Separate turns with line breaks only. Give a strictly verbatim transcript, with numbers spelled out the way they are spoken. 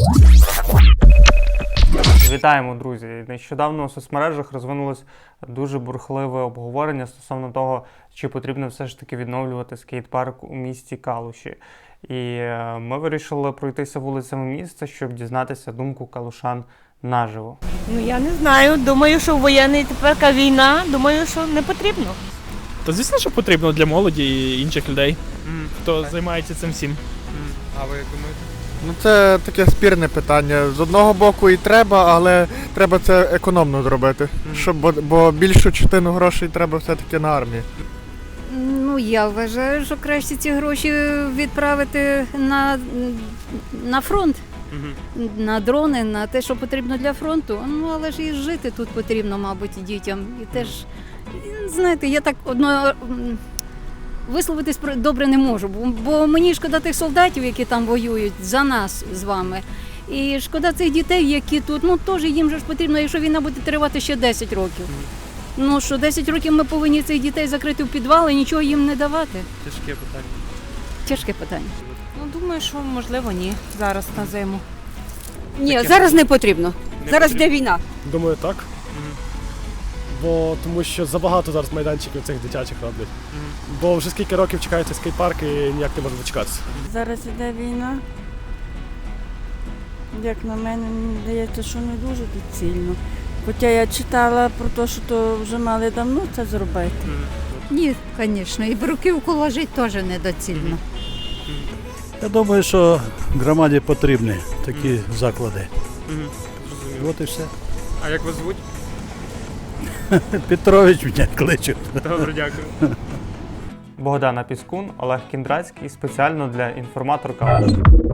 Вітаємо, друзі! Нещодавно у соцмережах розвинулось дуже бурхливе обговорення стосовно того, чи потрібно все ж таки відновлювати скейт-парк у місті Калуші. І ми вирішили пройтися вулицями міста, щоб дізнатися думку калушан наживо.
Ну я не знаю, думаю, що воєнний тепер війна, думаю, що не потрібно.
Та звісно, що потрібно для молоді і інших людей,
Mm.
хто
Так.
займається цим всім.
Mm. А ви як думаєте?
Ну це таке спірне питання. З одного боку і треба, але треба це економно зробити.
Мгм.
Щоб, бо, бо більшу частину грошей треба все-таки на армію.
Ну, я вважаю, що краще ці гроші відправити на, на фронт,
Угу.
на дрони, на те, що потрібно для фронту. Ну, але ж і жити тут потрібно, мабуть, і дітям. І теж, знаєте, я так одно м, висловитись про- добре не можу, бо, бо мені шкода тих солдатів, які там воюють за нас з вами. І шкода цих дітей, які тут, ну теж їм же ж потрібно, якщо війна буде тривати ще десять років. Ну що, десять років ми повинні цих дітей закрити в підвал і нічого їм не давати.
Тяжке питання.
Тяжке питання.
Ну думаю, що можливо ні. Зараз на зиму.
Ні,
Таке.
зараз не потрібно.
Не
зараз
потрібно.
йде війна.
Думаю, так.
Мгм.
Бо тому що забагато зараз майданчиків цих дитячих роблять.
Мгм.
Бо вже скільки років чекається скейт-парк і ніяк не може дочекатися.
Зараз іде війна. Як на мене, мені здається, що не дуже доцільно. Хоча я читала про те, що то вже мали давно це зробити.
Мгм.
Ні, звісно, і бруківку ложити теж недоцільно.
Я думаю, що громаді потрібні такі заклади.
Мгм. Зрозуміло.
От і все.
А як вас звуть?
Петрович мене кличуть.
Добре, дякую.
Богдана Піскун, Олег Кіндрацький спеціально для інформатор Калуш.